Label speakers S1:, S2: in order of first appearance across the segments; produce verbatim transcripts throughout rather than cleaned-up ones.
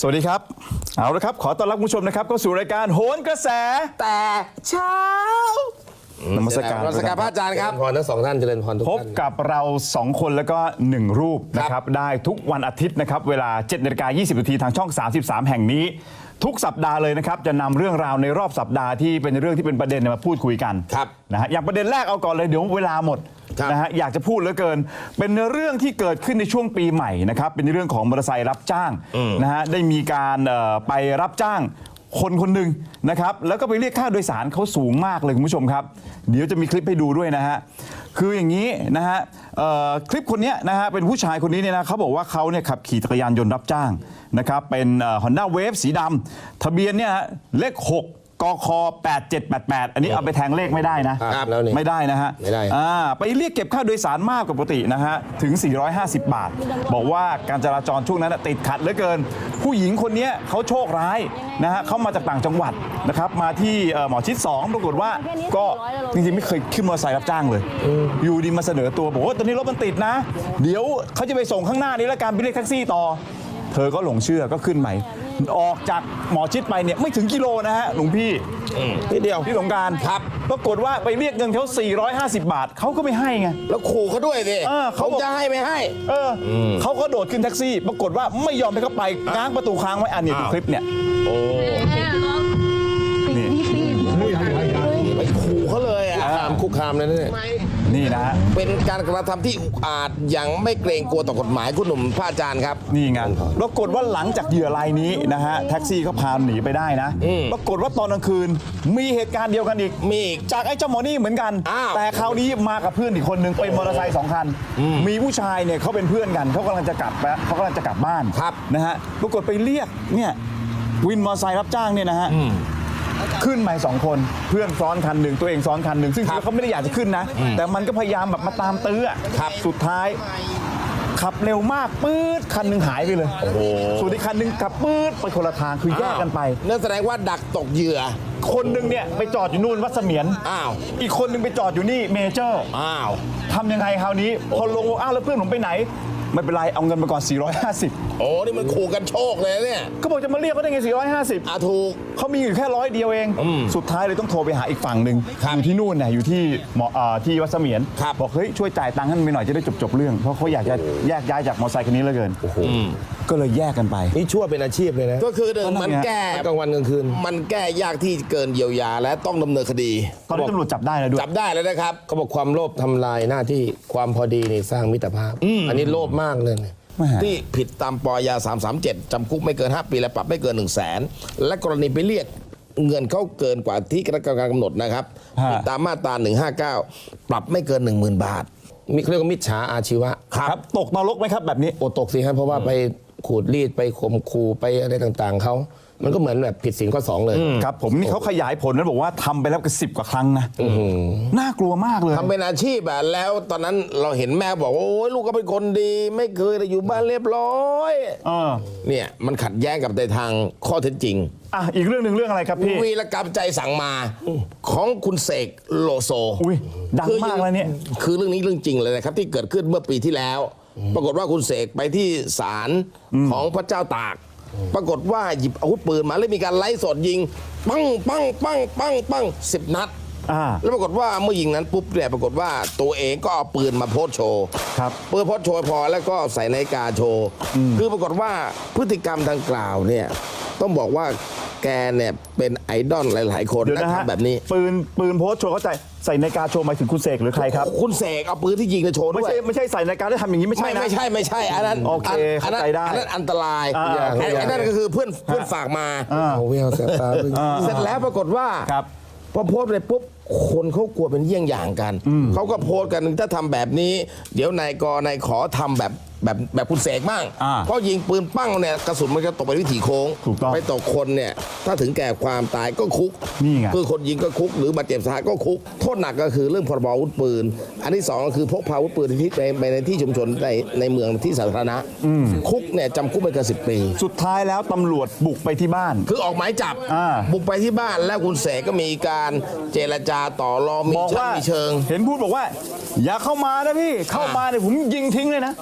S1: สวัสดีครับเอาละครับขอต้อนรับคุณผู้ชมนะครับเข้าสู่รายการโหนกระแสแต่เช้านมัสการ
S2: นมัสการพระอาจารย์ครับพรทั้งสองท่านเจริญพรทุก
S1: พบ
S2: ท่าน
S1: กับเราสองคนแล้วก็หนึ่งรูปนะครับได้ทุกวันอาทิตย์นะครับเวลาเจ็ดนาฬิกายี่สิบนาทีทางช่องสามสิบสามแห่งนี้ทุกสัปดาห์เลยนะครับจะนำเรื่องราวในรอบสัปดาห์ที่เป็นเรื่องที่เป็นประเด็นมาพูดคุยกันนะฮะอย่างประเด็นแรกเอาก่อนเลยเดี๋ยวเวลาหมดนะฮะอยากจะพูดเหลือเกินเป็นเรื่องที่เกิดขึ้นในช่วงปีใหม่นะครับเป็นเรื่องของมอเตอร์ไซค์รับจ้างนะฮะได้มีการไปรับจ้างคนคนหนึ่งนะครับแล้วก็ไปเรียกค่าโดยสารเขาสูงมากเลยคุณผู้ชมครับเดี๋ยวจะมีคลิปให้ดูด้วยนะฮะคืออย่างนี้นะฮะคลิปคนนี้นะฮะเป็นผู้ชายคนนี้เนี่ยนะเขาบอกว่าเขาเนี่ยขับขี่จักรยานยนต์รับจ้างนะครับเป็น Honda Wave สีดำทะเบียนเนี่ยเลขหกกคแปดเจ็ดแปดแปดอันนี้เอาไปแทงเลขไม่ได้นะไม่ได้นะฮะไม่ได้ไปเรียกเก็บค่าโดยสารมากกว่าปกตินะฮะถึงสี่ร้อยห้าสิบบาทบอกว่าการจราจรช่วงนั้นติดขัดเหลือเกินผู้หญิงคนนี้เขาโชคร้ายนะฮะเขามาจากต่างจังหวัดนะครับมาที่หมอชิดสองปรากฏว่าก็จริงๆไม่เคยขึ้นมอเตอร์ไซค์รับจ้างเลยอยู่ดีมาเสนอตัวบอกว่าตอนนี้รถมันติดนะเดี๋ยวเขาจะไปส่งข้างหน้านี้แล้วการไปเรียกแท็กซี่ต่อเธอก็หลงเชื่อก็ขึ้นใหม่ออกจากหมอชิดไปเนี่ยไม่ถึงกิโลนะฮะหลวงพี่นิดเดียวพี่สงการครับปรากฏว่าไปเรียกเงินเขาสี่ร้อยห้าสิบบาทเขาก็ไม่ให้ไง
S2: แล้วขู่เขาด้วยสิเขาจะให้ไม่ให้
S1: เออเขาก็โดดขึ้นแท็กซี่ปรากฏว่าไม่ยอมให้เขาไปง้างประตูค้างไว้อันนี้ดูคลิปเนี่ยโอ้
S2: นี่ไปขู่เขาเลยอ่ะคุกคามเลยนี่
S1: นี่นะฮะ
S2: เป็นการกระทำที่อุกอาจอย่างไม่เกรงกลัวต่อกฎหมายคุณหนุ่มพระอาจารย์ครับ
S1: นี่ไงปรากฏว่าหลังจากเหยื่อรายนี้นะฮะแท็กซี่เขาพาหนีไปได้นะปรากฏว่าตอนกลางคืนมีเหตุการณ์เดียวกันอีก
S2: มี
S1: จากไอ้เจ้าหมอนี่เหมือนกันแต่คราวนี้มากับเพื่อนอีกคนนึงเป็นมอเตอร์ไซค์สองคันมีผู้ชายเนี่ยเขาเป็นเพื่อนกันเขากำลังจะกลับแล้วเขากำลังจะกลับบ้านนะฮะปรากฏไปเรียกเนี่ยวินมอเตอร์ไซค์รับจ้างเนี่ยนะฮะขึ้นมาสองคนเพื่อนซ้อนคันหนึ่งตัวเองซ้อนคันหนึ่งซึ่งเขาไม่ได้อยากจะขึ้นนะแต่มันก็พยายามแบบมาตามตื้อสุดท้ายขับเร็วมากปื๊ดคันหนึ่งหายไปเลยส่วนอีกคันหนึ่งขับปื๊ดไปคนละทางคือแยกกันไป
S2: นั่นแสดงว่าดักตกเหยื่อ
S1: คนหนึ่งเนี่ยไปจอดอยู่นู่นวัดเสมียนอ้าวอีกคนหนึ่งไปจอดอยู่นี่เมเจอร์อ้าวทำยังไงคราวนี้พอลงอ้าวแล้วเพื่อนผมไปไหนไม่เป็นไรเอาเงินมาก่อนสี่ร้อยห้าสิบ
S2: โอ้นี่มันขู่กันโชคเลยเนี่ย
S1: ก็บอกจะมาเรียกเขาได้ไงสี่ร้อยห้าสิบ
S2: อ่ะถูก
S1: เขามีอยู่แค่ร้อยเดียวเองสุดท้ายเลยต้องโทรไปหาอีกฝั่งหนึ่งอยู่ที่นู่นน่ะอยู่ที่หมอที่วัดเสมียนบอกเฮ้ยช่วยจ่ายตังค์ให้มันหน่อยจะได้จบๆเรื่องเพราะเขาอยากจะแยกย้ายจากมอเตอร์ไซค์คันนี้เหลือเกินก็เลยแยกกันไป
S2: นี่ชั่วเป็นอาชีพเลยนะก็คือหนึ่งมันแก้กลางวันกลางคืนมันแก้ยากที่เกินเยียวยาและต้องดำเนินคดี
S1: ตอนนี้ตำรวจจับได้แล้วด้วย
S2: จับได้แล้วนะครับเขาบอกความโลภทำลายหน้าที่ความพอดีนี่สร้างมิตรภาพอันนี้โลภมากเลยที่ผิดตามปยาสามสามเจ็ดจำคุกไม่เกินห้าปีและปรับไม่เกินหนึ่งแสนและกรณีไปเรียกเงินเขาเกินกว่าที่คณะกรรมการกำหนดนะครับตามมาตราหนึ่งห้าเก้าปรับไม่เกิน หนึ่งหมื่น บาทมีเรียกว่ามิจฉาอาชีวะ
S1: ครับตกนรกไหมครับแบบนี้
S2: โอตกสิครับเพราะว่าไปขูดรีดไปข่มขู่ไปอะไรต่างๆเขามันก็เหมือนแบบผิดศีลข้อสองเลย
S1: ครับผมนี่เขาขยายผลนะบอกว่าทำไปแล้วกันสิบกว่าครั้งนะน่ากลัวมากเลย
S2: ทำเป็นอาชีพแบบแล้วตอนนั้นเราเห็นแม่บอกว่าโอ้ยลูกก็เป็นคนดีไม่เคยอยู่บ้านเรียบร้อยเนี่ยมันขัดแย้งกับในทางข้อเท็จจริง
S1: อ่ะอีกเรื่องหนึ่งเรื่องอะไรครับพี่
S2: วีรกรรมใจสั่งมาของคุณเสกโลโซ
S1: อุ้ยดังมากเลยเนี่ย
S2: คือเรื่องนี้เรื่องจริงเลยนะครับที่เกิดขึ้นเมื่อปีที่แล้วปรากฏว่าคุณเสกไปที่ศาลของพระเจ้าตากปรากฏว่าหยิบอาวุธปืนมาแล้วมีการไล่สดยิงปังปังปังปังปังสิบนัดแล้วปรากฏว่าเมื่อยิงนั้นปุ๊บเนี่ยปรากฏว่าตัวเองก็เอาปืนมาโพสโชว์ปืนโพสโชว์พอแล้วก็ใส่นาฬิกาโชว์คือปรากฏว่าพฤติกรรมดังกล่าวเนี่ยต้องบอกว่าแกเนี่ยเป็นไอดอลหลายๆคนนะทำแบบนี้
S1: ปืนปืนโพสโชว์เข้าใจใส่นาฬิกาโชว์หมายถึงคุณเสกหรือใครครับ
S2: คุณเสกเอาปืนที่ยิงมาโชว์ด้วย
S1: ไม่ใช่ไม่ใช่ใส่นาฬิกาได้ทำอย่างนี้ไม่ใช่นะ
S2: ไม่ใช่ไม่ใช่อันนั้น
S1: โอเคเข้าใจได้
S2: อันนั้นอันตรายอันนั้นก็คือเพื่อนเพื่อนฝากมาเสร็จแล้วปรากฏว่าพอโพสต์ไปปุ๊บคนเขากลัวเป็นเยี่ยงอย่างกันเขาก็โพสต์กันถ้าทำแบบนี้เดี๋ยวนายกนายขอทำแบบแบบแบบคุณเสกมั่งเพราะยิงปืนปั้งเนี่ยกระสุนมันจะตกไปวิถีโค้งไปตกคนเนี่ยถ้าถึงแก่ความตายก็คุก
S1: นี่ไง
S2: คือคนยิงก็คุกหรือบาดเจ็บสาหัสก็คุกโทษหนักก็คือเรื่องพรบอาวุธปืนอันที่สองก็คือพกพาอาวุธปืนในที่ในในที่ชุมชนในในเมืองที่สาธารณะคุกเนี่ยจำคุกไม่เกินสิบปี
S1: สุดท้ายแล้วตำรวจบุกไปที่บ้าน
S2: คือออกหมายจับบุกไปที่บ้านแล้วคุณเสกก็มีการเจรจาต่อรองมีชั้นมีเชิง
S1: เห็นพูดบอกว่าอย่าเข้ามานะพี่เข้ามาเนี่ยผมยิงทิ้งเลยนะ
S2: นี่เขาฉ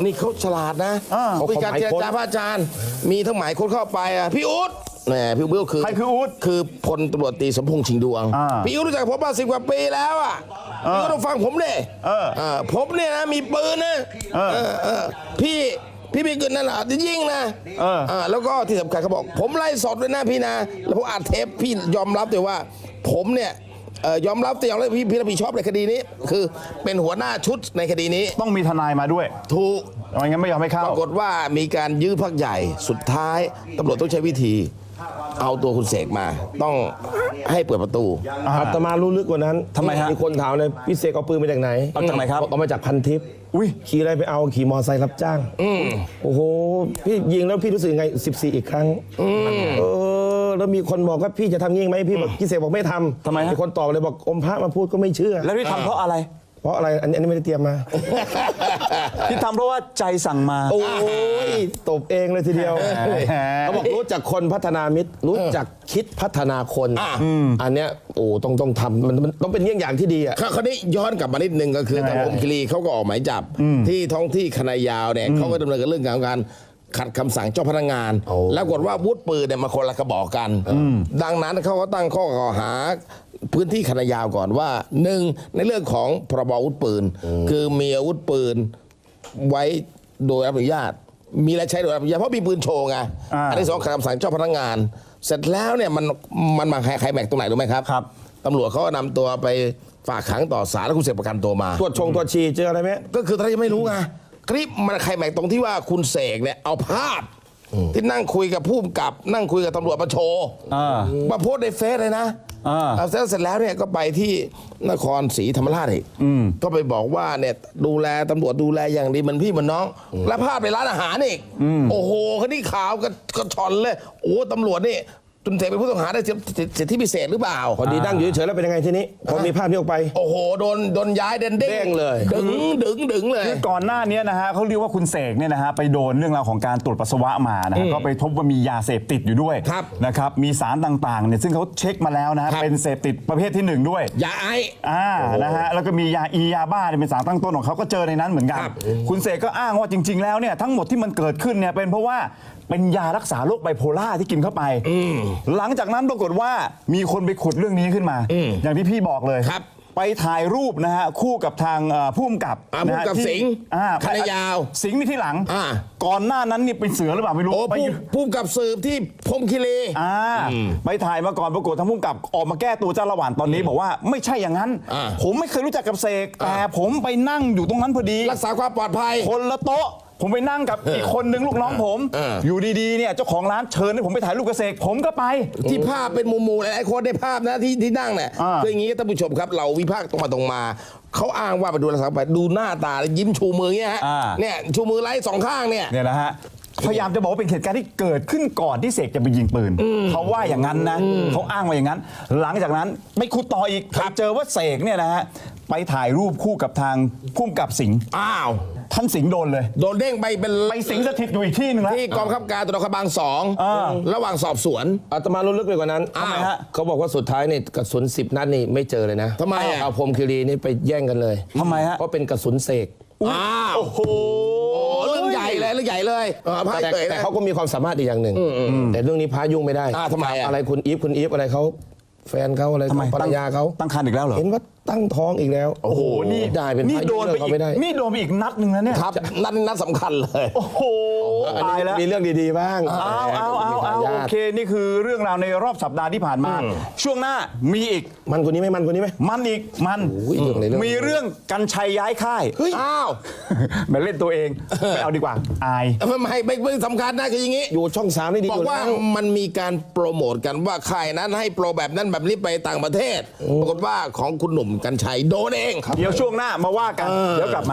S2: ลาดนะ
S1: อ่า
S2: มีการเจรจาพระอาจารย์ มีทั้งหมายคนเข้าไปอ่ะพี่อุ๊ดแหมพี่อุ๊ดคือ
S1: ใครคืออุ๊ด
S2: คือพลตำรวจตรีสมพงษ์ชิงดวง
S1: อ่า
S2: พี่อุ๊ดรู้จักผมมาสิบกว่าปีแล้วอ่ะพี่อุ๊ดต้องฟังผมดิ
S1: เออ
S2: เออผมเนี่ยนะมีปืนนะ
S1: เออ
S2: เออเออพี่พี่มีเกินนั่นแหละจะยิงนะ
S1: เออ
S2: เออแล้วก็ที่สำคัญเขาบอก ผมไล่สดเลยนะพี่นะแล้วผมอัดเทปพี่ยอมรับเลยว่า ผมเนี่ยเอ่อยอมรับแต่ยอมรับพี่พี่รับผิดชอบในคดีนี้ คือเป็นหัวหน้าชุดในคดีนี้
S1: ต้องมีทนายมาด้วย
S2: ถูก
S1: ไม่งั้นไม่ยอมให้เข้า
S2: ปรากฏว่ามีการยื้อพักใหญ่สุดท้ายตำรวจต้องใช้วิธี เอาตัวคุณเสกมา ต้องให้เปิดประตู
S3: อาตมารู้ลึกกว่านั้น
S1: ทำไมฮะ
S3: มีคนถามเลยพี่เสกเอาปืนมาจากไหน
S1: เอาจากไหนครับ
S3: เอามาจากพันทิพย์
S1: อุ้ย
S3: ขี่อะไรไปเอาขี่มอไซค์รับจ้างโอ้โหพี่ยิงแล้วพี่รู้สึกยังไงสิบสี่อีกครั้งเออแล้วมีคนบอกว่าพี่จะทำยิงไหมพี่บอกพี่เสกบอกไม่ทำ
S1: ทำไมฮะ
S3: มีคนตอบเลยบอกอมพระมาพูดก็ไม่เชื่อ
S1: แล้วที่ทำเพราะอะไร
S3: เพราะอะไรอันนี้อันนี้ไม่ได้เตรียมมา
S1: ที่ทำเพราะว่าใจสั่งมา
S3: โอ้ยตบเองเลยทีเดียวเขาบอกรู้จักคนพัฒนามิตร รู้จักคิดพัฒนาคน
S2: อ่ะ
S3: อันเนี้ยโอ้ต้องต้องทำมันมันต้องเป็นเยี่ยงอย่างที่ดีอ่ะ
S2: คราวนี้ย้อนกลับมานิดนึงก็คือ
S1: ยังไง
S2: ทาง
S1: ฮะ
S2: ผมคิรีเขาก็ออกหมายจับ ที่ท้องที่คณะยาวเนี่ยเขาก็ดำเนินกับเรื่องของการขัดคำสั่งเจ้าพนักงาน แล้วกฏว่าวุธปืนเนี่ยมาคนละกระบอกกัน ดังนั้นเขาก็ตั้งข้อกล่าวหาพื้นที่คณะยาวก่อนว่าหนึ่งในเรื่องของพรบอาวุธปืน คือมีอาวุธปืนไว้โดยอนุญาต มีและใช้โดยอนุญาตเพราะมีปืนโชว์ไง
S1: อ่า
S2: อันที่สองขัดคำสั่งเจ้าพนักงาน เสร็จแล้วเนี่ยมันมันมาใครแม็กตรงไหนรู้ไหมครับ
S1: ครับ
S2: ตำรวจเขาก็นำตัวไปฝากขังต่อศาลแล้วคุณเสกประกันตัวมา
S3: ตรวจชงตรวจชีเจออะไรไหม
S2: ก็คือตอนนั้นยังไม่รู้ไงคลิปมันใครแม็กตรงที่ว่าคุณเสกเนี่ยเอาภาพ ที่นั่งคุยกับผู้กำกับ นั่งคุยกับตำรวจมาโชว์
S1: อ่า
S2: มาโพสต์ในเฟซเลยนะ
S1: อ่า
S2: เอาเสร็จเสร็จแล้วเนี่ยก็ไปที่นครศรีธรรมราชอีกก็ไปบอกว่าเนี่ยดูแลตำรวจดูแลอย่างดีเหมันพี่เหมันน้อง และภาพในร้านอาหารอีกโอ้โหคดีข่าวก็ก็ชอนเลยโอ้ตำรวจนี่คุณเสกเป็นผู้ต้องหาได้สิทธิพิเศษหรือเปล่า
S3: พอดีนั่งอยู่เฉยๆแล้วเป็นยังไงทีนี้พอมีภาพนี้ออกไป
S2: โอ้โหโดนโดนย้ายเด่นเด้
S3: เด้งเลย
S2: ดึงดึงดึงเลย
S1: คือก่อนหน้านี้นะฮะเขาเรียกว่าคุณเสกเนี่ยนะฮะไปโดนเรื่องราวของการตรวจปัสสาวะมานะฮะก็ไปพบว่ามียาเสพติดอยู่ด้วย
S2: ครับ
S1: นะครับมีสารต่างๆเนี่ยซึ่งเขาเช็คมาแล้วนะฮะ
S2: ครับ
S1: เป็นเสพติดประเภทที่หนึ่งด้วย
S2: ยาไอ
S1: อ่านะฮะแล้วก็มียาอียาบ้าเนี่ยเป็นสารตั้งต้นของเขาก็เจอในนั้นเหมือนกัน
S2: ครับ
S1: คุณเสกก็อ้างว่าจริง ๆ แล้วเนี่ยทั้งหมดที่มันเกิดขึ้นเนี่ยเป็นเพราะว่าเป็นยารักษาโรคไบโพล่าที่กินเข้าไปหลังจากนั้นปรากฏว่ามีคนไปขุดเรื่องนี้ขึ้นมา อย่างที่พี่บอกเลย
S2: ครับ
S1: ไปถ่ายรูปนะฮะคู่กับทางเอ่อผู้กำกับ
S2: อ่า
S1: นะฮะ
S2: ผู้กำกับ
S1: ที่
S2: สิงห์
S1: อ่า
S2: คณะยาว
S1: สิงห์นี่ที่หลัง
S2: อ่า
S1: ก่อนหน้านั้นนี่เป็นเสือหรือเปล่าไม่รู้
S2: โอ้
S1: ไป
S2: ผู้
S1: อยู่
S2: ผู้กับสืบที่พรหมคีรี
S1: อ่าไปถ่ายมาก่อนปรากฏทางผู้กำกับออกมาแก้ตัวเจ้าละหว่านตอนนี้บอกว่าไม่ใช่อย่างนั้น
S2: อ่า
S1: ผมไม่เคยรู้จักกับเสกแต่ผมไปนั่งอยู่ตรงนั้นพอดี
S2: รักษาความปลอดภัย
S1: คนละโต๊ะ ผมไปนั่งกับอีกคนนึงลูกน้องผม
S2: เออ
S1: อยู่ดีๆเนี่ยเจ้าของร้านเชิญให้ผมไปถ่ายรูปกับเสกผมก็ไป
S2: ที่ภาพเป็นหมูๆหลายๆคนได้ภาพนะที่ที่นั่งเนี่ย
S1: อ่า
S2: คืออย่างนี้ท่านผู้ชมครับ เราวิพากษ์ตรงมาตรงมา เขาอ้างว่าไปดูรักษาความปลอดภัยดูหน้าตาแล้วยิ้มชูมือเงี้ยฮะ
S1: อ่า
S2: เนี่ยชูมือไล่สองข้างเนี่ย
S1: เนี่ยนะฮะพยายามจะบอกว่าเป็นเหตุการณ์ที่เกิดขึ้นก่อนที่เสกจะไปยิงปืนเขาว่าอย่างนั้นนะเขาอ้างว่าอย่างนั้น หลังจากนั้นไม่คุดต่ออีกไปเจอว่าเสกเนี่ยนะฮะไปถ่ายรูปคู่กับทางผู้กำกับสิงห์
S2: อ้าว
S1: ท่านสิงห์โดนเลย
S2: โดนเด้งไปเป็น
S1: ไปสิงสถิตอยู่อีกที่หนึ่งแล้ว
S2: ที่กองบังคับการตำรวจนครบาลสอง
S1: อ่า
S2: ระหว่างสอบสวน
S3: อาตมารู้ลึกไปกว่านั้น
S2: อ้าว
S1: ทำไมฮะ
S3: เขาบอกว่าสุดท้ายนี่กระสุนสิบนัดนี่ไม่เจอเลยนะ
S2: ทำไมอ่ะ
S3: เอาพรหมคีรีนี่ไปแย่งกันเลย
S1: ทำไมฮะ
S3: เพราะเป็นกระสุนเสก
S2: อ้าว
S1: โอ้โห
S2: โอ้เรื่องใหญ่เลยเรื่องใหญ่เลยเออพาย
S3: แต่
S2: เตย
S3: แต่
S2: นะ
S3: เขาก็มีความสามารถอีกอย่างหนึ่งแต่เรื่องนี้พระยุ่งไม่ได้
S2: อ่าทำไมอ่ะ
S3: อะไรคุณอีฟคุณอีฟอะไรเขาแฟนเขาอะไร
S1: ทำไม
S3: ภรรยาเขา
S1: ตั้งครรภ์อีกแล้วเหรอ
S3: เห็นว่าตั้งท้องอีกแล้ว
S1: โอ้โหนี่
S3: ได้เป็น
S1: นี่
S3: พระ
S1: โดนไป
S3: ยุ่ง
S1: อี
S3: เขา
S1: ก
S3: ไม่ได้
S1: นี่โดนไปอีกนัดหนึ่งแล้วเนี่ย
S2: ครับนั่นนัดสำคัญเลย
S1: โอ้โห
S3: อัน
S1: ตาย
S3: นี้
S1: แล้ว
S3: มีเรื่องดีๆบ้าง
S1: เอาเอาเอาเอา
S3: มีทย
S1: โอเคนี่คือเรื่องราวในรอบสัปดาห์ที่ผ่านมา ช่วงหน้ามีอีก
S3: มันคนนี้ไหมมันคนนี้ไหม
S1: มันอีกมัน
S3: โอ้ยเรื่องอะไรเรื่อง
S1: มีเรื่องกันชัยย้ายค่าย
S2: อ้าว
S1: แมาเล่นตัวเองไม่เอาดีกว่าอาย
S2: ไม่ไม่ไม่ไม่สำคัญนะคืออย่างนี้
S3: อยู่ช่องสามนี่ดี
S2: บอ
S3: อก ยู่
S2: ว่า
S3: แล้ว
S2: มันมีการโปรโมทกันว่าค่ายนั้นให้โปรแบบนั้นแบบนี้ไปต่างประเทศ ปรากฏว่าของคุณหนุ่มกัญชัยโดนเอง
S1: เดี๋ยวช่วงหน้ามาว่ากัน เดี๋ยวกลับมา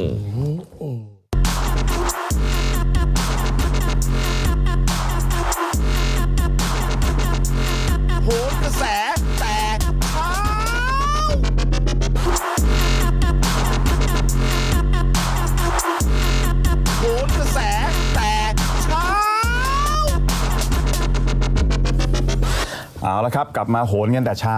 S2: โหนกระแสแต่เช้าโหนกระแสแต่เช้า
S1: เอาละครับกลับมาโหนกันแต่เช้า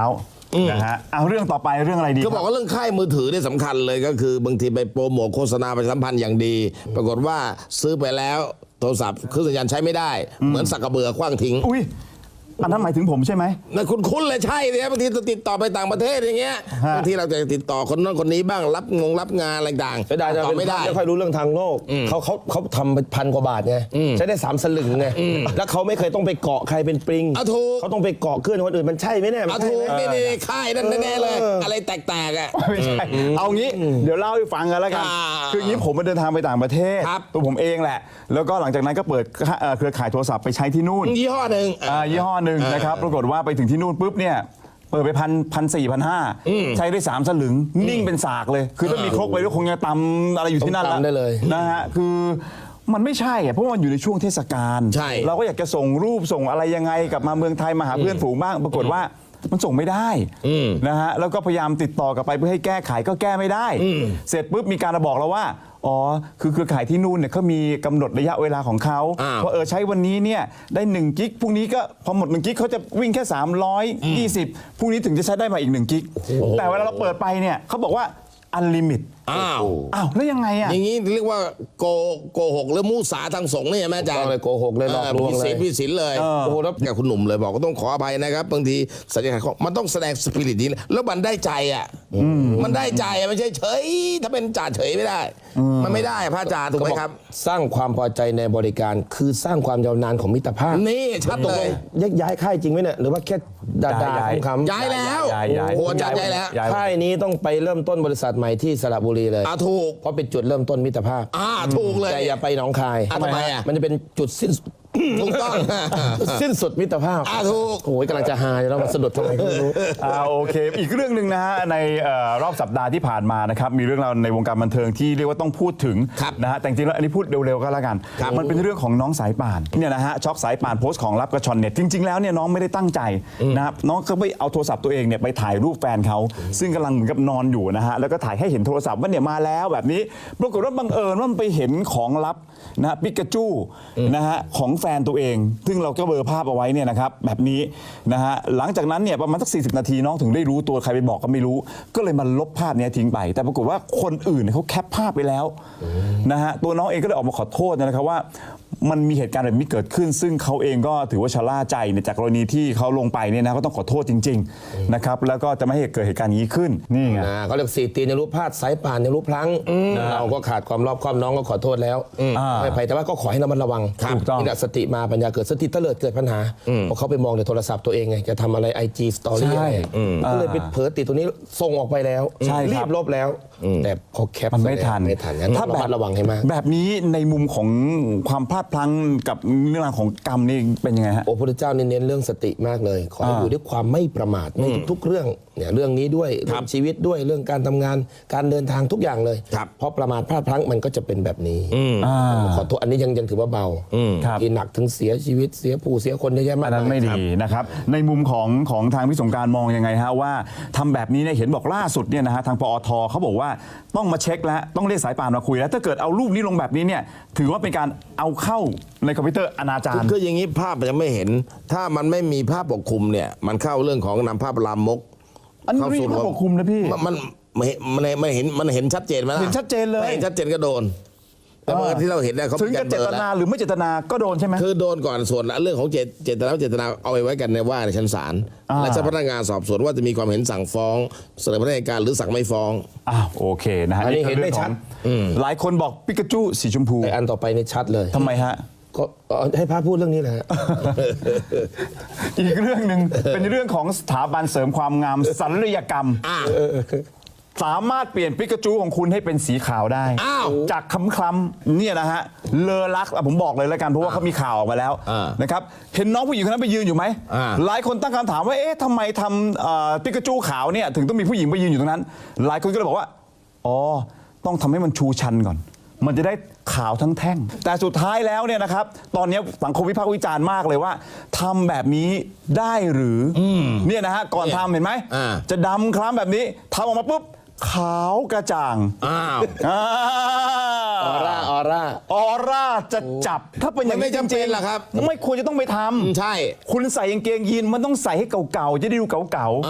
S1: นะฮะเอาเรื่องต่อไปเรื่องอะไรดี
S2: ก็บอกว่าเรื่องค่ายมือถือเนี่ยสำคัญเลยก็คือบางทีไปโปรโมทโฆษณาประชาสัมพันธ์อย่างดี ปรากฏว่าซื้อไปแล้วโทรศัพท์เครื่องสัญญาณใช้ไม่ได้ เหมือนสักกระเบือขว้างทิ้ง
S1: อุ้ยอันนั้นหมายถึงผมใช่ไหม
S2: นะคุณคุ้นเลยใช่เลยบางทีจะติดต่อไปต่างประเทศอย่างเงี้ย
S1: ฮะ
S2: บางทีเราจะติดต่อคนนั้นคนนี้บ้างรับงงรับงานอะไรต่าง
S3: เสียดายจะ
S2: ต่อ
S3: เป็น
S2: ไม่ได้
S3: ไม่ค่อยรู้เรื่องทางโลกเขาเขาเขาทำไปพันกว่าบาทไงใช้ได้สามสลึงไงแล้วเขาไม่เคยต้องไปเกาะใครเป็นปริง
S2: อ่ะถูก
S3: เขาต้องไปเกาะเคลื่อนคนอื่นมันใช่ไหมเนี่ยมัน
S2: เอา
S3: ใช่
S2: ถูก
S3: ไหม
S2: นี่นี่ค่ายนั่นแน่ๆเลย อะไรแตกๆอ่ะ
S1: ไม่ใช่เอางี้เดี๋ยวเล่าให้ฟังกันแล้วกัน
S2: อ่า
S1: คืออย่างนี้ผมมาเดินทางไปต่างประเทศ
S2: ครับ
S1: ตัวผมเองแหละ แล้วก็หลังจากนั้นก็เปิดเอ่อเครือข่ายโทรศัพท์ไปใช้ที่นู่น
S2: ยี่ห้อหนึ่ง
S1: อ่ายี่ห้อหนึ่งนะครับปรากฏว่าไปถึงที่นู่นปุ๊บเนี่ยเปิดไปพันพันสี่พันห้าใช้ได้สามสลึงนิ่งเป็นสากเลย คือถ้ามีครกไปด้วยคงจะตำอะไรอยู่ที่นั่น
S3: ต้องตำได้เลย
S1: นะฮะคือมันไม่ใช่อะเพราะว่ามันอยู่ในช่วงเทศกาล
S2: ใช่
S1: เราก็อยากจะส่งรูปส่งอะไรยังไงกลับมาเมืองไทยมาหาเพื่อนฝูงบ้าง ปรากฏว่ามันส่งไม่ได้นะฮะแล้วก็พยายามติดต่อกลับไปเพื่อให้แก้ไขก็แก้ไม่ได้ เสร็จปุ๊บมีการมาบอกเราว่าอ๋อคือเครือข่ายที่นู่นเนี่ยเขามีกำหนดระยะเวลาของเขา
S2: อ้าว
S1: ว่าเออใช้วันนี้เนี่ยได้หนึ่งกิกพรุ่งนี้ก็พอหมดหนึ่งกิกเขาจะวิ่งแค่สามร้อยยี่สิบพรุ่งนี้ถึงจะใช้ได้มาอีกหนึ่งกิกแต่เวลาเราเปิดไปเนี่ยเขาบอกว่าอันลิมิต
S2: อ้าว
S1: อ้าวแล้วยังไงอ่ะ
S2: อย่างนี้เรียกว่าโกโกหกหรือมูสาทางสงฆ์เนี่ยใช่ไหมอาจาร
S3: ต้
S2: ย์
S3: องเลยโกหกเลยหลอกลวง
S2: ผิด
S3: เล
S2: ศี
S3: ย
S2: ลผิดศีลเลย
S1: เออ
S2: โอ้โหแล้วกับคุณหนุ่มเลยบอกก็ต้องขออภัยนะครับบางทีสัญญาณมันต้องแสดงสปิริตนี้แล้วมันได้ใจอ่ะมันได้ใจอะไม่ใช่เฉยถ้าเป็นจ่าเฉยไม่ได้ มันไม่ได้พระอาจารย์ถูกไหมครับ
S3: สร้างความพอใจในบริการคือสร้างความยาวนานของมิตรภาพ
S2: นี่ชัดเลย
S3: ยักย้ายค่ายจริงไหมเนี่ยหรือว่าแค่ด่า
S1: ย้าย
S3: ด่า
S1: ย้าย
S3: คำๆ
S2: ย้ายแล้ว
S1: ย้ายย้าย
S2: โอ้โหอาจารย์ย้ายแล้ว
S1: ย้าย
S3: ค่ายนี้ต้องไปเริ่มต้นบริษัทใหม่ที่สระบุรีเลย
S2: อ่าถูก
S3: เพราะเป็นจุดเริ่มต้นมิตรภาพ
S2: อ่าถูกเลย
S3: แต่อย่าไปหนองคาย
S2: อ่ะทำไมอ่ะ
S3: มันจะเป็นจุดสิ้น
S2: ถูกต้อง
S3: จุดสิ้นสุดมิตรภาพ
S2: อ่าถูก
S3: โอ้ยกำลังจะหายแล้วมาสะดุดทำไมก็ไม่รู้
S1: อ่าโอเค อีกเรื่องหนึ่งนะฮะในเอ่อรอบสัปดาห์ที่ผ่านมานะครับมีเรื่องราวในวงการบันเทิงที่เรียกว่าต้องพูดถึง
S2: ครับ
S1: นะฮะแต่จริงๆแล้วอันนี้พูดเร็วๆก็แล้วกัน
S2: ครับ
S1: มันเป็นเรื่องของน้องสายป่านเนี่ยนะฮะช็อกสายป่านโพสต์ของลับกระชอนเน็ตจริง ๆแล้วเนี่ยน้องไม่ได้ตั้งใจนะครับน้องก็ไปเอาโทรศัพท์ตัวเองเนี่ยไปถ่ายรูปแฟนเขาซึ่งกำลังเหมือนกับนอนอยู่นะฮะแล้วก็ถ่ายให้เห็นโทรศัพท์ว่าเนี่ยมาแล้วแบบนี้ปรากฏว่าบังเอิญว่ามันไปเห็นของลับนะฮะปิกาจูนะฮะของแฟนตัวเอง ซึ่งเราก็เบลอภาพเอาไว้เนี่ยนะครับแบบนี้นะฮะหลังจากนั้นเนี่ยประมาณสักสี่สิบนาทีน้องถึงได้รู้ตัวใครไปบอกก็ไม่รู้ ก็เลยมาลบภาพเนี้ยทิ้งไป แต่ปรากฏว่าคนอื่นเนยเขาแคปภาพไปแล้วนะฮะตัวน้องเองก็เลยออกมาขอโทษนะครับว่ามันมีเหตุการณ์แบบนี้เกิดขึ้น ซึ่งเขาเองก็ถือว่าชะล่าใจเนี่ยจากกรณีที่เขาลงไปเนี่ยนะก็ต้องขอโทษจริงๆนะครับแล้วก็จะไม่ให้เกิดเหตุการณ์นี้ขึ้นนี่ไง
S3: นะเขาเรียกสี่ตีนในรูปพลาดสายป่านในรูปพลั้งเราก็ขาดความรอบคอบน้องก็ขอโทษแล้ว
S1: อ่า
S3: ไม่ไปแต่ว่าก็ขอให้ระมัดระวัง
S1: ถูกต้อง
S3: นี่แหละสติมาปัญญาเกิดสติเตลิดเกิดปัญหาเพราะเขาไปมองในโทรศัพท์ตัวเองไงจะทำอะไร ไอ จี Story
S1: ใช่
S3: อะไรก็เลยไปเผลอติดตัวนี้ส่งออกไปแล้ว
S1: ใช่ครับ
S3: รีบลบแล้ว แต่พอแคป
S1: มันไม่ทัน
S3: ไม่ทันงั้นต้องระมัดระวังให้มาก
S1: แบบนี้ในมุมของความพลาดพลั้งกับเรื่องราวของกรรมนี่เป็นยังไงฮะ
S3: โอ้พระพุทธเจ้าเน้นเรื่องสติมากเลย ขอให้
S1: อ่า
S3: อยู่ด้วยความไม่ประมาทในทุกๆเรื่องเนี่ยเรื่องนี้ด้วยเรื่องชีวิตด้วยเรื่องการทำงานการเดินทางทุกอย่างเลย
S2: ครับ
S3: เพราะประมาทพลาดพลั้งมันก็จะเป็นแบบนี้
S1: อ่า
S3: ขอโทษอันนี้ยังยังถือว่าเบา
S1: ครับ
S3: ที่หนักถึงเสียชีวิตเสียผู้เสียคนเยอะแยะมา
S1: อั
S3: ก
S1: นนั้นไม่
S3: ครับ
S1: ดีนะครับในมุมของของทางพี่สงกรารมองยังไงฮะว่าทำแบบนี้เนี่ยเห็นบอกล่าสุดเนี่ยนะฮะทางปอทเขาบอกว่าต้องมาเช็คแล้วต้องเรียกสายป่านมาคุยแล้วถ้าเกิดเอารูปนี้ลงแบบนี้เนี่ยถือว่าเป็นการเอาเข้าในคอมพิวเตอร์อนาจาร
S2: คืออย่างนี้ภาพมันจะไม่เห็น ถ้ามันไม่มีภาพปกคลุมเนี่ย มันเข้าเรื่องของนำภาพลามก
S1: อันนี้
S2: เข้า
S1: ไม่
S2: สู่
S1: มีภาพปกคลุมนะพี่
S2: มันมันมันมันเห็นมันเห็นชัดเจนไหมล่ะ
S1: เห็นชัดเจนเลย
S2: ไม่เห็นชัดเจนก็โดน แต่เมื่อที่เราเห็นเนี่ยเขา
S1: ถึงจะเจตนาหรือไม่เจตนาก็โดนใช่ไหม
S2: คือโดนก่อนส่วนเรื่องของเจตเจตนาเจตนาเอาไปไว้กันในว่าในชั้นศาล
S1: อ่า
S2: และเจ้าพนักงานสอบสวนว่าจะมีความเห็นสั่งฟ้องเสนอพนักงานหรือสั่งไม่ฟ้อง
S1: อ้าวโอเคนะฮะ
S3: อันนี้เห็นได้
S1: คือรื่อง
S3: ชัด
S1: ของหลายคนบอกปิกาจูสีชมพู
S3: แต่อันต่อไปในชัดเลย
S1: ทำไมฮะ
S3: ก็เอาให้พระพูดเรื่องนี้แหละฮะ
S1: อีกเรื่องหนึ่งเป็นเรื่องของสถาบันเสริมความงามศัลยกรรม สามารถเปลี่ยนปิกาจูของคุณให้เป็นสีขาวได้
S2: อ้าว
S1: จากคล้ำๆเนี่ยนะฮะเลอลักษณ์อ่ะผมบอกเลยแล้วกันเพราะว่าเขามีข่าวออกมาแล้ว
S2: อ่า
S1: นะครับเห็นน้องผู้หญิงคนนั้นไปยืนอยู่ไหม
S2: อ่า
S1: หลายคนตั้งคำถามว่าเอ๊ะทำไมทำเอ่อปิกาจูขาวเนี่ยถึงต้องมีผู้หญิงไปยืนอยู่ตรงนั้น หลายคนก็เลยบอกว่าอ๋อต้องทำให้มันชูชันก่อน มันจะได้ขาวทั้งแท่ง แต่สุดท้ายแล้วเนี่ยนะครับตอนนี้สังคมวิพากษ์วิจารณ์มากเลยว่าทำแบบนี้ได้หรืออเนี่ยนะฮะก่อนทำเห็นไหม
S2: อ่า
S1: จะดำคล้ำแบบนี้ทำออกมาปุ๊บขาวกระจ่าง
S2: อ้าว
S1: อ่า
S3: ออร่าออร่า
S1: ออร่าจะจับ ถ้าเป็นอย่าง
S2: มันไม่จำเป็น
S1: ริงๆ
S2: หรอกครับ
S1: ไม่ควรจะต้องไปทำ
S2: ใช่
S1: คุณใส่กางเกงยีนมันต้องใส่ให้เก่าๆ จะได้ดูเก่า
S2: อ่า
S1: ๆ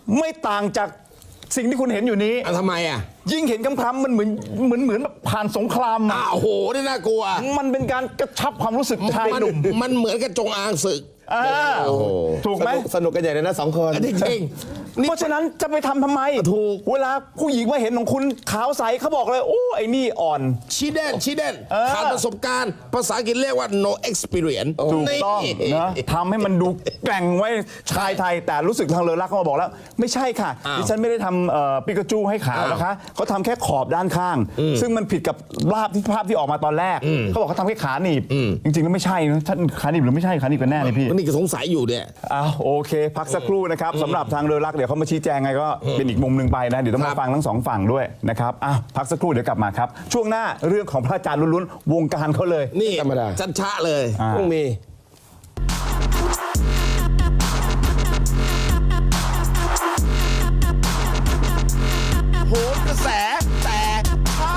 S1: ไม่ต่างจากสิ่งที่คุณเห็นอยู่นี้
S2: อ่ะทำไมอ่ะ
S1: ยิ่งเห็นคำๆมันเหมือนเหมือนเหมือนแบบผ่านสงครามมา
S2: อ้าวโอ้โหนี่น่ากลัว
S1: มันเป็นการกระชับความรู้สึกชาย
S2: มัน
S1: หนุ่ม
S2: มันเหมือนกับจงอางศึก
S1: อ่า
S2: โอ้โห
S1: ถูกไหม
S3: สนุสนุกกันใหญ่เลยนะสองคน
S2: จริงๆนี่
S1: เพราะฉะนั้นจะไปทำทำไม
S2: ถูก
S1: เวลาผู้หญิงมาเห็นของคุณขาวใสเขาบอกเลย โอ้ไอ้นี่อ่อน
S2: ชิเดนชิเดน
S1: เออ
S2: ขาดประสบการณ์ ภาษาอังกฤษเรียกว่า no experience
S1: ถูกต้อง
S2: นี่
S1: นะทำให้มันดูแกร่งไว้ชายไทย แต่รู้สึกทางเลอรักเขามาบอกแล้ว ไม่ใช่ค่ะ
S2: อ้าว
S1: ดิฉันไม่ได้ทำเอ่อปิกาจูให้ขาวนะคะเขาทำแค่ขอบด้านข้าง ซึ่งมันผิดกับภาพที่ภาพที่ออกมาตอนแรกเขาบอกเขาทำแค่ขาหนีบจริงๆแล้วไม่ใช่นะท่านขาหนีบหรือไม่ใช่ขาหนีบกันแน่เลยพี่
S2: นี่ก็สงสัยอยู่เนี่ย
S1: อ้าวโอเค พักสักครู่นะครับสำหรับทางเรือรักเดี๋ยวเขามาชี้แจงไงก็เป็นอีกมุมหนึ่งไปนะ เดี๋ยวต้อง
S2: ครั
S1: มา
S2: บ
S1: ฟังทั้งสองฝั่งด้วยนะครับอ้าวพักสักครู่เดี๋ยวกลับมาครับ ช่วงหน้าเรื่องของพระอาจารย์ล้วนๆวงการเขาเลย
S2: นี่
S3: ธรรมดา
S2: ชัดชะเลย
S1: อ่า
S3: ต้องมี
S2: โหนกระแสแต่เช้า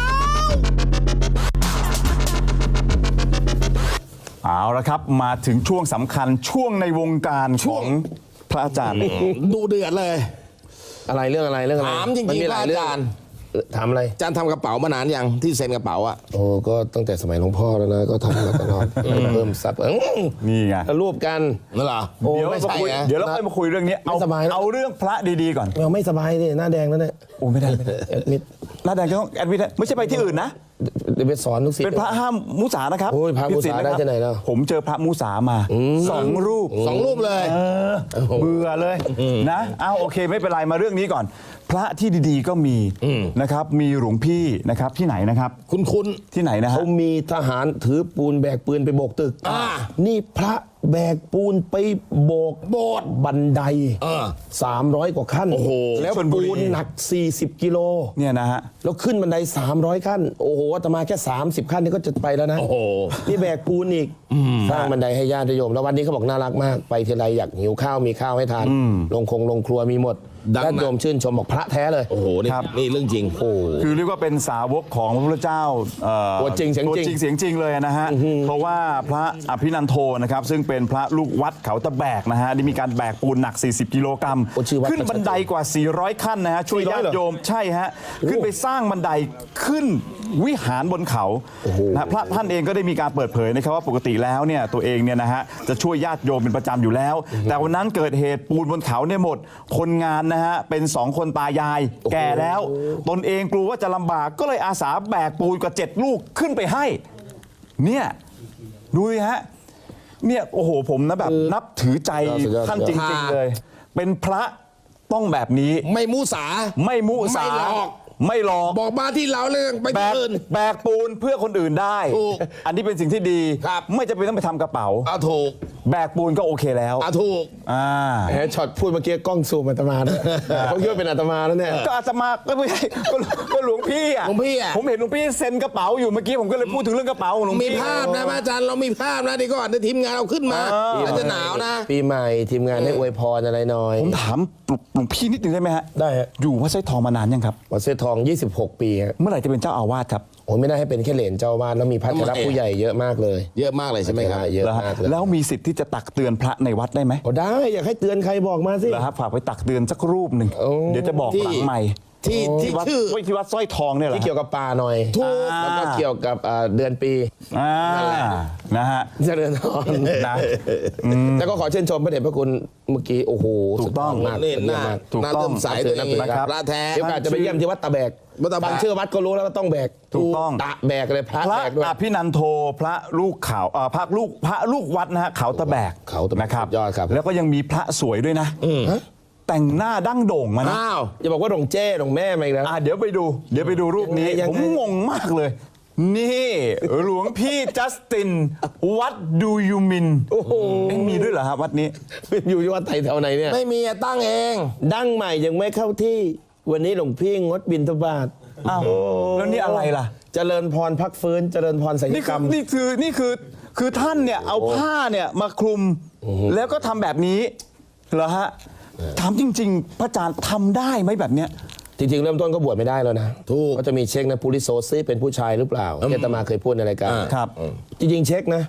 S1: เอาละครับมาถึงช่วงสำคัญช่วงในวงการของพระอาจารย์
S2: ดูเดือดเลย
S3: อะไรเรื่องอะไรเรื่องอะไร
S2: ถามจริงๆ
S3: นมีหลาย
S2: พระอาจารย์
S3: เรื่องถามอะไร
S2: อาจารย์ทำกระเป๋ามานานยังที่เซ็นกระเป๋าอะ
S3: โอ้ก็ตั้งแต่สมัยหลวงพ่อแล้วนะก็ทำมาตลอดเพิ่มซับอื้อ
S1: นี่ไง
S3: รูปกัน
S2: นั่นเหรอ
S3: โอ้
S1: เดี๋ยว
S3: ไม่
S1: มา
S3: ใช่
S1: คุย
S3: นะ
S1: เดี๋ยวเราค่อยมาคุยเรื่องนี้เอา
S3: ไม่สบายแล้ว
S1: เอาเรื่องพระดีๆก่อน
S3: เราไม่สบายดิหน้าแดงแล้วเนี่ย
S1: โอ้ไม่ได้ไม่ได้
S3: แอดมิด
S1: หน้าแดงก็ต้องแอดมิดไม่ใช่ไปที่อื่นนะ
S3: เดี๋ยวไปสอนลูกศิษย์
S1: เป็นพระห้ามมุสานะครับ
S3: โอ้ยพระมุสา
S1: ผิศีลนคบ
S3: ได้ที่ไหนแล้ว
S1: ผมเจอพระมุสามาสองรูป
S2: สองรูปเลย
S1: เออเบื่อเลยนะเอาโอเคไม่เป็นไรมาเรื่องนี้ก่อน พระที่ดีๆก็มีนะครับมีหลวงพี่นะครับที่ไหนนะครับ
S2: คุณคุณ
S1: ที่ไหนนะฮะ
S3: เขามีทหารถือปูนแบกปืนไปโบกตึก
S2: อ่า
S3: นี่พระแบกปูนไปโบก
S2: โบสถ์
S3: บันได
S2: เออ
S3: สามร้อยกว่าขั้น
S2: โอ้โห
S3: แล้ว
S1: ชลบุรี
S3: ปูนหนักสี่สิบกิโล
S1: เนี่ยนะฮะ
S3: แล้วขึ้นบันไดสามร้อยขั้น โอ้โหอาตมาแค่สามสิบขั้นนี่ก็จะไปแล้วนะ
S2: โอ้โห
S3: นี่แบกปูนอีกสร้างบันไดให้ญาติโยม แล้ววันนี้เขาบอกน่ารักมาก ไปทีไรอยากหิวข้าวมีข้าวให้ทาน ลงคงลงครัวมีหมด
S2: ดัง
S3: ญาติโยมชื่นชมบอกพระแท้เลย
S2: โอ้โห นี่
S1: ครับ
S2: นี่เรื่องจริง โอ้
S1: คือเรียกว่าเป็นสาวกของพระพุทธเจ้าเอ่อ
S3: ตัวจริงเสียง
S1: ตัว
S3: จริง
S1: จริงเสียงจริงเลยนะฮะเพราะว่าพระอภินันโทนะครับซึ่งเป็นพระลูกวัดเขาตะแบกนะฮะได้มีการแบกปูนหนัก สี่สิบ กิโลกรัม
S3: โอ้ชื่อวัด
S1: ขึ้นบันไดกว่า สี่ร้อย ขั้นนะฮะช่วยญาติโยมใช่ฮะขึ้นไปสร้างบันไดขึ้นวิหารบนเขานะพระท่านเองก็ได้มีการเปิดเผยนะครับว่าปกติแล้วเนี่ยตัวเองเนี่ยนะฮะจะช่วยญาติโยมเป็นประจำอยู่แล้ว แต่วันนั้นเกิดเหตุปูนบนเขาเนี่ยหมดคนงานนะฮะเป็นสองคนตายาย แก่แล้ว ตนเองกลัวว่าจะลำบากก็เลยอาสาแบกปูนกว่าเจ็ดลูกขึ้นไปให้ เนี่ยดูสิฮะเนี่ยโอ้โหผมนะแบบนับถือใจ
S3: สุดยอด
S1: ท่านจริง ๆ เลย เป็นพระต้องแบบนี้
S2: ไม่มูสา
S1: ไม่มุสา
S2: ไม่หลอก
S1: ไม่หลอก
S2: บอกมาที่เราเรื่องไป
S1: แบ
S2: ที่
S1: ก
S2: อื่น
S1: แบกปูนเพื่อคนอื่นได้
S2: ถูก
S1: อันนี้เป็นสิ่งที่ดี
S2: ครับ
S1: ไม่จำเป็นต้องไปทำกระเป๋า
S2: เอาถูก
S1: แบกปูนก็โอเคแล้ว
S2: เอาถูก
S1: อ่า
S3: แหมช็อตพูดเมื่อกี้กล้องซูมอาตมาด้วยเขาคิดว่าเป็นอาตมาแล้วเนี่ย
S1: ก็อาตมาก็ไม่ใช่ก็ก็หลวงพี่อ่ะ
S2: หลวงพี่อะ
S1: ผมเห็นหลวงพี่เซ็นกระเป๋าอยู่เมื่อกี้ผมก็เลยพูดถึงเรื่องกระเป๋าของหลวง
S2: มี
S1: พี่
S2: ภาพนะพระอาจารย์เรามีภาพนะเดียวก่อนเดี๋ยวทีมงานเอาขึ้นมาอาจจะหนาวนะ
S3: ปีใหม่ทีมงานให้อวยพรอะไรหน่อย
S1: ผมถามหลวงพี่นิดนึงได้ไหมฮะ
S3: ได้ฮะ
S1: อยู่วัดไส้ทองมานานยังครับ
S3: วัดเสทอง ยี่สิบหก ปีฮะ
S1: เมื่อไหร่จะเป็นเจ้าอาวาสครับ
S3: โอ้ยไม่ได้ให้เป็นแค่เหรียญเจ้าอาวาสแล้วมีพระเถระผู้ใหญ่เยอะมากเลย
S2: เยอะมากเลยใช่ไหมครับ
S3: เยอะ
S1: แล้วฮะ
S3: มากเลย
S1: แล้วมีสิทธิ์ที่จะตักเตือนพระในวัดได้ไหม
S3: โอ้ได้อยากให้เตือนใครบอกมาสิ
S1: แล้วครับฝากไปตักเตือนสักรูปหนึ่ง
S3: โอ้
S1: เดี๋ยวจะบอก
S2: ที่
S1: หลังใหม่
S2: ที่ที่
S1: วัด
S2: ชื่อ
S1: ไว้ที่วัดสร้อยทองเนี่ยเหรอ
S3: ที่เกี่ยวกับป่าหน่อย
S2: ถูก
S3: แล้วก็เกี่ยวกับอ่าเดือนปี
S1: อ่านะฮะ
S3: เจริญพร
S1: นะ
S3: แล้วก็ขอเชื่นชมพระเดชพระคุณเมื่อกี้โอ้โห
S1: ถูกต้อง
S3: สุดยดมาก
S2: นี่
S3: สุด
S2: ห
S3: ยอ
S2: น้า
S3: ดมาก
S1: ถูก
S2: หน้า
S1: ต้อง
S2: เติมสายตัวเอง
S1: นะครับ
S2: พระแท้
S3: เดี๋ยวโอกาสจะไปเยี่ยมที่วัดตะแบก
S2: วัดตะแบก
S3: บางเชื่อวัดก็รู้แล้วว่าต้องแบก
S1: ถูกต้อง
S3: ตะแบกเลยพระ
S1: พระ
S3: แบกด้วย
S1: อภินันโทพระลูกเขาเอ่อพระลูกพระลูกวัดนะฮะเขาตะแบก
S3: เขาตะแบก
S1: นะครับ
S3: สุดยอดครับ
S1: แล้วก็ยังมีพระสวยด้วยนะแต่งหน้าดั้งโด่งมานะ
S2: อ้าว
S3: อย่าบอกว่าหลวงเจ้หลวงแม่มาอีกแล้ว
S1: อ่ะเดี๋ยวไปดู เดี๋ยวไปดูรูปนี้
S3: ยังไง
S1: ผมงงมากเลย นี่หลวงพี่จัสติน วัดดูยูมิน
S3: โอ้โห
S1: เอ๊ะมีด้วยเหรอครับวัดนี้
S3: เป็นอยู่ที่วัดไทยแถวไหนเนี่ย
S2: ไม่มีอะตั้งเอง
S3: ดั้งใหม่ยังไม่เข้าที่ วันนี้หลวงพี่งดบิณฑบาต
S1: อ้าวแล้วนี่อะไรล่ะ
S3: เจริญพรพักฟื้นเจริญพรศัลย
S1: นี่
S3: ก
S1: คื
S3: ร
S1: อ
S3: รม
S1: นี่คือนี่คือคือท่านเนี่ยเอาผ้าเนี่ยมาคลุม แล้วก็ทำแบบนี้เหรอฮะถามจริง ๆ พระอาจารย์ทำได้ไหมแบบเนี้ย
S3: จริงๆ เริ่มต้นก็บวชไม่ได้แล้วนะ
S2: ถูก
S3: ก็จะมีเช็คนะปุริโซซีเป็นผู้ชายหรือเปล่าที่อาตมาเคยพูดในรายการ
S2: อ่า
S1: ครับ
S3: จริงๆ เช็คนะ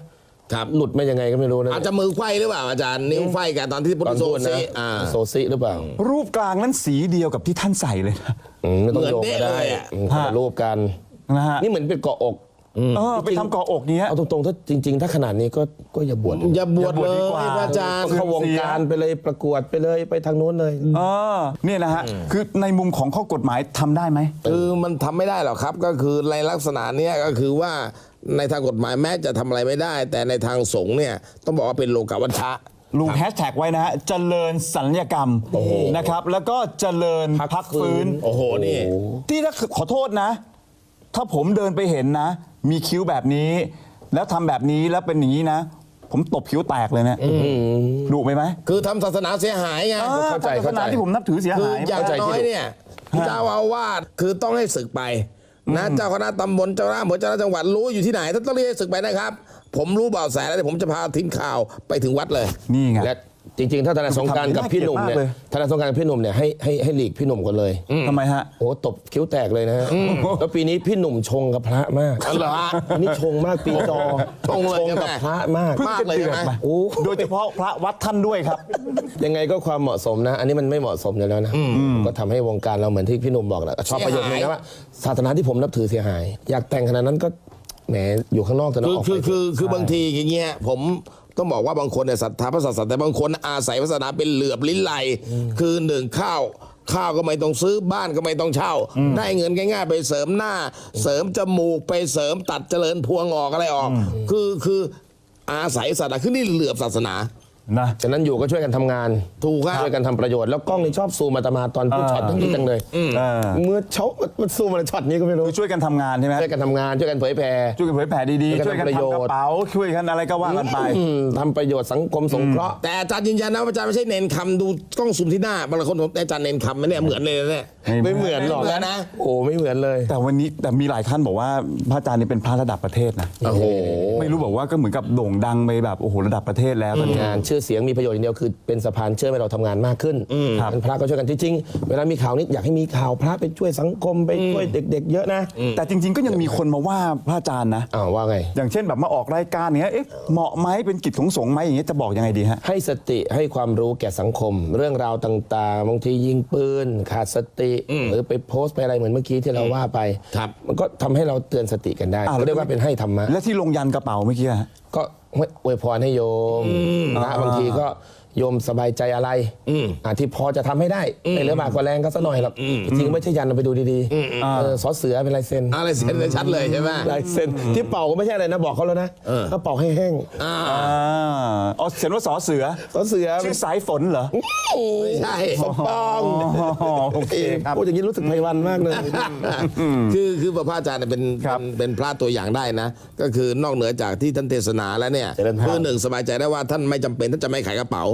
S2: ครับ
S3: หลุดมายังไงก็ไม่รู้นะ
S2: อาจจะมือไขว้หรือเปล่าอาจารย์นิ้วไขว้กันตอนที่พุท
S3: ต
S2: ธ
S3: อน
S2: โซ
S3: พูดนะ
S2: ซีอ่า
S3: โซซิหรือเปล่า
S1: รูปกลางนั้นสีเดียวกับที่ท่านใส่เลยนะ
S3: อืมไม่ต้องโยก
S2: เหมือน
S3: ก็
S2: เด๊ะ
S3: ได้
S2: เลยอะ
S3: อืมคนละรูปกัน
S1: นะฮะ
S3: นี่เหมือนเป็นเกาะอก
S1: เออไปทำเกาะอกเนี้ย
S3: เอาตรงๆถ้าจริง ๆ ถ้าขนาดนี้ก็ก็อย่าบวช
S2: อย่าบวช
S1: อย่าบวช
S2: เล
S1: ดี
S2: ย
S1: กว่า
S2: พระอาจารย์
S3: เข้าวงการไปเลยประกวดไปเลยไปทางโน้นเลย
S1: เออเนี่ยนะฮะคือในมุมของข้อกฎหมายทำได้ไหม
S2: คือมันทำไม่ได้หรอกครับ ก็คือในลักษณะเนี้ยก็คือว่าในทางกฎหมายแม้จะทำอะไรไม่ได้ แต่ในทางสงฆ์เนี่ยต้องบอกว่าเป็นโลกาวัชชะ
S1: ลุงแฮชแท็กไว้นะฮะเจริญสัญญกรรมนะครับแล้วก็เจริญพักฟื้น
S2: โอ้โหนี่
S1: ที่ถ้าขอโทษนะ ถ้าผมเดินไปเห็นนะ มีคิ้วแบบนี้ แล้วทำแบบนี้แล้วเป็นอย่างนี้นะ ผมตบคิ้วแตกเลยเนะดุไหมไหม
S2: คือทำศาสนาเสียหายไง
S1: เออ
S3: เข้าใจ
S1: ศาสนา
S3: เข้าใจ
S1: ที่ผมนับถือเสีย
S2: คือ
S1: หาย
S2: อย่าง
S3: เข้าใจ
S2: น้อย
S3: ที่
S2: เนี่ยเจ้าอาวาสคือต้องให้ศึกไปนะเจ้าคณะตำบลเจ้าคณะอำเภอเจ้าคณะจังหวัดรู้อยู่ที่ไหนท่านต้องเรียกให้ศึกไปนะครับ ผมรู้เบาะแสแล้วเดี๋ยวผมจะพาทีมข่าวไปถึงวัดเลย
S1: นี่ไง
S3: และจริง ๆ ถ้าทนายสงกรานต์กับพี่หนุ่มเนี่ย
S1: น่าเกลียดมากเลย
S3: ทนายสงกรานต์กับพี่หนุ่มเนี่ยให้ให้ให้หลีกพี่หนุ่มกันเลย
S1: ทำไมฮะ
S3: โอ้ตบคิ้วแตกเลยนะฮะแล้วปีนี้พี่หนุ่มชงกับพระมาก
S2: อ๋อเหรอฮะ
S3: อันนี้ชงมากปีจอ
S2: ชงเลยใช่ไหม
S3: กับพระมาก
S1: เพิ่ง
S2: มาก
S1: จะ
S2: เลย
S1: เดือด
S2: ใช่ไหม
S1: มา
S3: โอ้
S1: โดยเฉพาะพระวัดท่านด้วยครับ
S3: ยังไงก็ความเหมาะสมนะ อันนี้มันไม่เหมาะสมอยู่แล้วนะก็ทำให้วงการเราเหมือนที่พี่หนุ่มบอกแหละชอบประโยชน์นี้นะว่าศาสนาที่ผมนับถือเสียหาย อยากแต่งขนาดนั้นก็แหมอยู่ข้างนอกแต่น
S2: คือ
S3: ออก
S2: คือ
S3: ไป
S2: คือคือบางทีอย่างเงี้ยผมต้องบอกว่าบางคนเนี่ยศรัทธาพระศาสนาแต่บางคนอาศัยศาสนาเป็นเหลือบลิ้นไหลคือหนึ่งข้าวข้าวก็ไม่ต้องซื้อบ้านก็ไม่ต้องเช่า ได้เงินง่ายๆ ไปเสริมหน้า เสริมจมูกไปเสริมตัดเจริญพวงออกอะไรออก คือคืออาศัยศาสนาคือนี่เหลือบศาสนา
S1: นะ
S3: ฉะนั้นอยู่ก็ช่วยกันทำงาน
S2: ถูกครับ
S3: ช่วยกันทำประโยชน์แล้วกล้องนี่ชอบซูมอาตมาตอนพูดช็อตนี้จังเลย
S1: เออ
S3: เมื่อเช้ามันซูมอะไรช็อตนี้ก็ไม่รู้
S1: คือช่วยกันทำงานใช่ไหม
S3: ช่วยกันทำงานช่วยกันเผยแพร่
S1: ช่วยกันเผยแผ่ดีๆ
S3: ช่
S1: ช่
S3: ว
S1: วย ย
S3: กั
S1: กัน น
S3: ทำประโย
S1: ทำก
S3: ชน์
S1: ระเป๋าช่วยกันอะไรก็ว่ากันไป
S3: อืมทำประโยชน์สังคมสงเคราะห์
S2: แต่อาจารย์ยืนยันนะว่าอาจารย์ไม่ใช่เน้นคำดูกล้องซูมที่หน้าบางคนผมอาจารย์เน้นคำไหมเนี่ยเหมือนเลยนะเนี่ย
S3: ไม่เหมือนหรอก
S2: ไม่เหมือนนะ
S3: โอ้ไม่เหมือนเลย
S1: แต่วันนี้แต่มีหลายท่านบอกว่าพระอาจารย์นี่เป็นพระระดับประเทศนะ
S2: โอ้โห
S1: ไม่รู้บอกว่าก็เหมือนกับโด่งดังไปแบบโอ้โหระดับประเทศแล้วตอนนี้
S3: งานชื่อเสียงมีประโยชน์อย่างเดียวคือเป็นสะพานเชื่อมให้เราทำงานมากขึ้น
S1: ครับ
S3: เป็นพระก็ช่วยกันจริงๆเวลามีข่าวนี้อยากให้มีข่าวพระไปช่วยสังคมไปช่วยเด็ก ๆ เยอะนะ
S1: แต่จริง ๆ ก็ยังมีคนมาว่าพระอาจารย์นะ
S3: อ้าวว่าไง
S1: อย่างเช่นแบบมาออกรายการเนี้ยเอ๊ะเหมาะไหมเป็นกิจของสงฆ์ไหมอย่างเงี้ยจะบอกยังไงดีฮะ
S3: ให้สติให้ความรู้แก่สังคม เรื่องราวต่างๆบางทียิงปืนขาดสติ หรือไปโพสต์ไปอะไรเหมือนเมื่อกี้ที่เราว่าไป
S2: ครับ
S3: มันก็ทำให้เราเตือนสติกันได้
S1: อ่า
S3: เขาเรียกว่าเป็นให้ธรรมะ
S1: และที่ลงยันกระเป๋าเมื่อกี้ฮะ
S3: ก็อวยพรให้โยมนะบางทีก็โยมสบายใจอะไรอ่าที่พอจะทำให้ได้ไม่เหลือบากกว่าแรงก็สักหน่อยหรอกจริงๆไม่ใช่ยันเอาไปดูดีๆเออสอเสือเป็นลายเซ็น
S2: อะไรเซ็นเลยชัดเลยใช่ไหม
S3: ลายเซ็นที่เป่าก็ไม่ใช่อะไรนะบอกเขาแล้วนะเขาเป่าให้แห้ง
S2: อ่า
S1: อ่าอ๋อเขียนว่าสอเสือ
S3: สอเสือ
S1: ชื่อสายฝนเหรอ
S2: ไม่ใช่
S3: ปอง
S1: อ๋อโอเคครับ
S3: พูดอย่างนี้รู้สึกไพวันมากเลย
S2: คือคือพระอาจารย์เนี่ยเป็น
S1: ครับ
S2: เป็นเป็นพระตัวอย่างได้นะ ก็คือนอกเหนือจากที่ท่านเทศนาแล้วเนี่ย
S3: เจริญพร
S2: คือหนึ่งสบายใจได้ว่าท่านไม่จำเป็นท่านจะไม่ขายกระเป๋า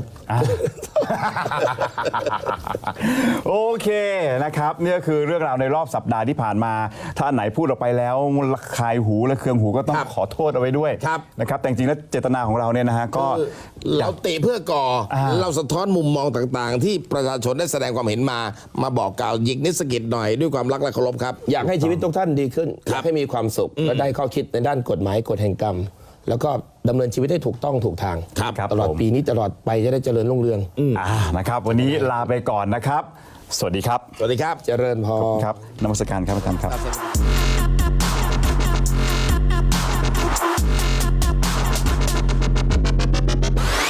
S1: โอเคนะครับนี่ก็คือเรื่องราวในรอบสัปดาห์ที่ผ่านมา ถ้าอันไหนพูดออกไปแล้วมันระคายหูและเคืองหูก็ต้อง
S2: ครับ
S1: ขอโทษเอาไว้ด้วย
S2: ครับ
S1: นะครับแต่จริงๆแล้วเจตนาของเราเนี่ยนะฮะก็
S2: คือเราติเพื่อก่ออา เราสะท้อนมุมมองต่างๆ ที่ประชาชนได้แสดงความเห็นมา มาบอกกล่าวหยิกนิสกิจหน่อยด้วยความรักและเคารพครับ
S3: อยากให้ชีวิตทุกท่านดีขึ้น
S2: ค
S3: อ
S2: รับ
S3: ยากให้มีความสุข และได้ข้อคิดในด้านกฎหมายกฎแห่งกรรม แล้วก็ดำเนินชีวิตให้ถูกต้องถูกทาง
S2: ครับ
S1: ครับ
S3: ตลอด
S1: ผม
S3: ปีนี้ตลอดไปจะได้เจริญรุ่งเรือง
S1: อ่านะครับวันนี้ลาไปก่อนนะครับ สวัสดีครับ
S2: สวัสดีครับ
S3: เจริญพร
S1: ครับนมัสการครับอาจารย์ครับ